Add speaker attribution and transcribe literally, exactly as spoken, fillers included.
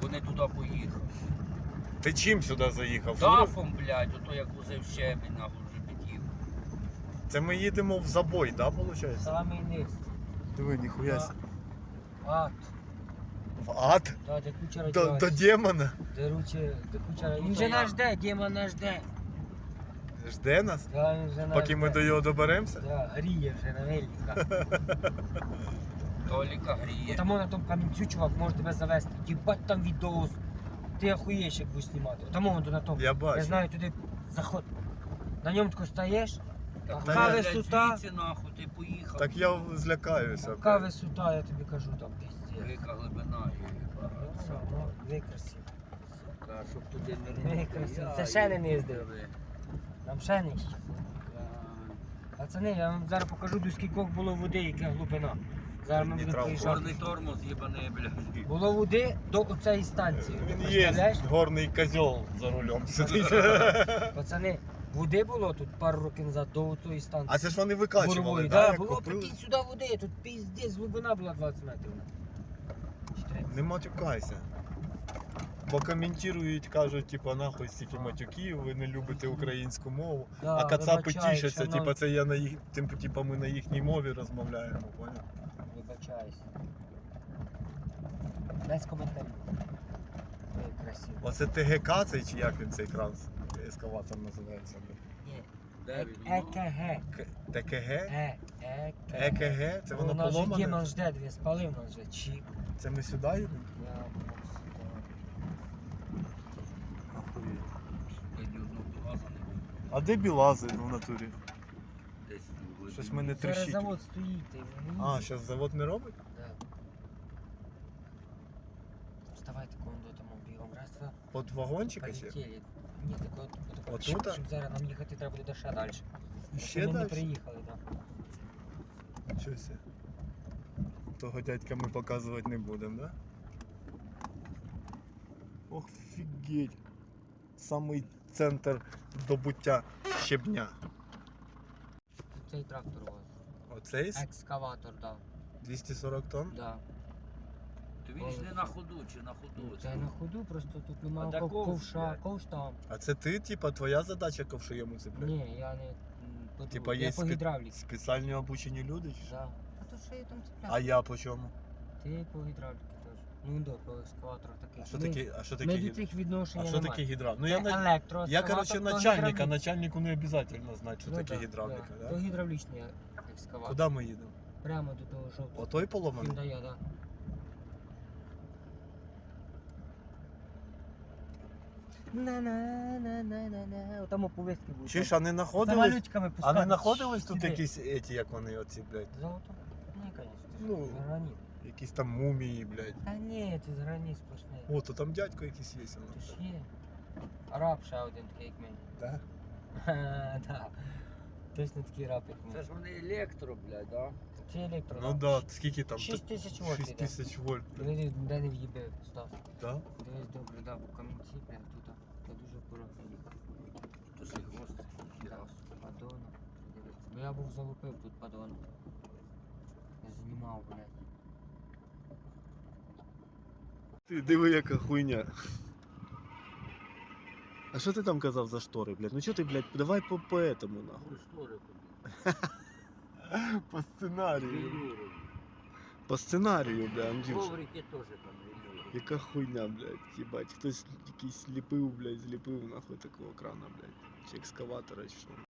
Speaker 1: Вони туди поїхали.
Speaker 2: Ти чим сюди заїхав?
Speaker 1: Дафом, блядь, ото як возив щебінь, нахуй вже під'їв.
Speaker 2: Це ми їдемо в забой, да, виходить?
Speaker 3: Самий низ.
Speaker 2: Диви, ніхуя сі.
Speaker 3: Ад.
Speaker 2: В ад?
Speaker 3: Да, де куча
Speaker 2: До,
Speaker 3: радіації.
Speaker 2: до демона?
Speaker 3: Де руче, де куча
Speaker 1: Ну,
Speaker 3: Він
Speaker 1: то
Speaker 3: же
Speaker 1: я.
Speaker 3: нас жде, Діма нас жде.
Speaker 2: Жде нас?
Speaker 3: Да, він вже нас
Speaker 2: Поки ми
Speaker 3: жде.
Speaker 2: до його доберемося?
Speaker 3: Да, гріє вже на велика.
Speaker 1: Толіка гріє.
Speaker 3: Там на тому камінцю, чувак, може тебе завести. Їбать там відос. Ти охуєш, як будеш знімати. Там вон на тому.
Speaker 2: Я бачу.
Speaker 3: Я знаю, туди заход. На ньому тако стаєш,
Speaker 1: Так,
Speaker 2: Та
Speaker 3: така
Speaker 2: я-
Speaker 3: висота.
Speaker 1: Звідси, нахуй, ти поїхав.
Speaker 2: Так я злякаюся.
Speaker 3: Така
Speaker 2: блядь.
Speaker 3: висота, я тобі кажу, там піздець.
Speaker 1: Велика глибина є.
Speaker 3: Ну, викрасив.
Speaker 1: Сука, щоб туди не
Speaker 3: Ей, красиво. Це ще не їздив. Там ще нижче. Пацани, я вам зараз покажу, до скількох було води, яка глибина. Зараз ми будемо
Speaker 2: Нейтрал.
Speaker 3: проїжджати.
Speaker 1: Чорний тормоз їбаний, блядь.
Speaker 3: Було води до оцеї станції.
Speaker 2: Він
Speaker 3: Представляєш?
Speaker 2: є горний козьол за рулем сидить.
Speaker 3: Пацани, води було тут пару років назад до оцеї станції.
Speaker 2: А це ж вони викачували,
Speaker 3: Бурової,
Speaker 2: да,
Speaker 3: да,
Speaker 2: як
Speaker 3: було,
Speaker 2: купили?
Speaker 3: прикинь, сюди води, тут піздець, глибина була двадцять метрів. Чи тридцять?
Speaker 2: Не матюкайся. Бо коментують, кажуть, типа, нахуй стільки матюків, ви не любите українську мову.
Speaker 3: Да,
Speaker 2: А кацапи
Speaker 3: вибачаю,
Speaker 2: тішаться,
Speaker 3: шановні.
Speaker 2: типа, це я на їх, тим, типа, ми на їхній мові розмовляємо, поняв?
Speaker 3: Вибачаюсь. Без коментарів. Ой, красиво.
Speaker 2: Оце ТГК цей, чи як він цей транс ескаватор називається? блін?
Speaker 3: Ні.
Speaker 1: Де він? Ну,
Speaker 3: ЕКГ.
Speaker 2: К- ТКГ?
Speaker 3: Е, ЕКГ.
Speaker 2: ЕКГ? Це воно
Speaker 3: нас же Діма
Speaker 2: поломане?
Speaker 3: жде, дві спалив нас же, чіп.
Speaker 2: Це ми сюди їдемо?
Speaker 3: Я був сюди.
Speaker 1: Я ні одного глаза не бачу.
Speaker 2: А де білази в натурі?
Speaker 1: Десь у глибині.
Speaker 2: Щось мене
Speaker 3: Зараз
Speaker 2: трещить.
Speaker 3: завод стоїть, ти не
Speaker 2: А, зараз завод не робить?
Speaker 3: Да. Вставайте, коли до тому бігом. Раз, два,
Speaker 2: От вагончика ще?
Speaker 3: полетіли. Ні, так от, от, от,
Speaker 2: Отут,
Speaker 3: щоб,
Speaker 2: а?
Speaker 3: щоб зараз нам їхати треба буде ще далі.
Speaker 2: Ще
Speaker 3: Ми не
Speaker 2: далі?
Speaker 3: приїхали, так. Да.
Speaker 2: Щось. Того дядька ми показувати не будемо, да? Ох, фігеть. Самий центр добуття щебня.
Speaker 3: Тут цей трактор у вас.
Speaker 2: Оцей з
Speaker 3: Екскаватор, так.
Speaker 2: двісті сорок тонн?
Speaker 3: Да. Да.
Speaker 1: То він ж не на ходу чи на ходу?
Speaker 3: Це на ходу, просто тут немає
Speaker 1: А де
Speaker 3: ков-
Speaker 1: ковш,
Speaker 3: ковша,
Speaker 1: блядь?
Speaker 3: ковш там.
Speaker 2: А це ти, типа, твоя задача ковшуєму цепляти?
Speaker 3: Ні, я не м, по
Speaker 2: Типа
Speaker 3: я
Speaker 2: є
Speaker 3: по
Speaker 2: спе-
Speaker 3: гідравліці.
Speaker 2: спеціальні обучені люди? чи що?
Speaker 3: Да. А то що я там цепляю?
Speaker 2: А я по чому?
Speaker 3: Ти по гідравліці теж. Ну до по екскаваторах таких.
Speaker 2: А що
Speaker 3: Ми-
Speaker 2: таке, а що таке
Speaker 3: Ми до
Speaker 2: гідра?
Speaker 3: цих відношень
Speaker 2: А що
Speaker 3: немає.
Speaker 2: таке гідра? Ну
Speaker 3: Це
Speaker 2: я, на... я
Speaker 3: електроескаватор,
Speaker 2: короче,
Speaker 3: то
Speaker 2: начальник, а
Speaker 3: гідравлік.
Speaker 2: начальнику не обов'язково знати, що
Speaker 3: Ну
Speaker 2: таке
Speaker 3: да,
Speaker 2: гідравліка,
Speaker 3: да.
Speaker 2: да?
Speaker 3: То гідравлічний екскаватор.
Speaker 2: Куди ми їдемо?
Speaker 3: Прямо до того жовтого.
Speaker 2: Отой поломаний?
Speaker 3: Він дає, да. На-на-на-на-на-на. Отам оповістки будуть.
Speaker 2: Чи ж, а не знаходились?
Speaker 3: Самолютиками
Speaker 2: А
Speaker 3: пускати.
Speaker 2: не знаходились тут
Speaker 3: Сюди.
Speaker 2: якісь еті, як вони оці, блядь?
Speaker 3: Золото? Ні, звісно.
Speaker 2: Ну.
Speaker 3: Ну, граніт.
Speaker 2: Якісь там мумії, блядь.
Speaker 3: Та ні, це з граніт сплошний.
Speaker 2: О, то там дядько якийсь є.
Speaker 3: Ти ж є. Раб ще один такий, як мені.
Speaker 2: Да?
Speaker 3: Ха, да. Точно такий раб, як
Speaker 1: Це
Speaker 3: мені.
Speaker 1: ж вони електро, блядь, да?
Speaker 3: Це електро.
Speaker 2: Ну да, скільки там?
Speaker 3: шість тисяч вольт
Speaker 2: шість
Speaker 3: іде.
Speaker 2: тисяч вольт. блядь.
Speaker 3: Дивись, де не в'їбив, Стас.
Speaker 2: Да?
Speaker 3: Дивись добре, да, бо камінці, блядь, тут. Це дуже акуратно.
Speaker 1: То ж і гвоздь. хірас.
Speaker 3: Падона. Дивись. Бо я був залупив тут падона. Я знімав, блядь.
Speaker 2: Ти диви, яка хуйня. А що ти там казав за штори, блядь? Ну що ти, блядь, давай по, по этому, нахуй.
Speaker 1: Ну, штори куди?
Speaker 2: По сценарію.
Speaker 1: Велюри.
Speaker 2: По сценарію, блядь, Андрюша.
Speaker 1: Коврики теж там велюри.
Speaker 2: Яка хуйня, блядь, їбать. Хтось якийсь ліпив, блядь, зліпив нахуй такого крана, блядь. Чи екскаватора, чи що.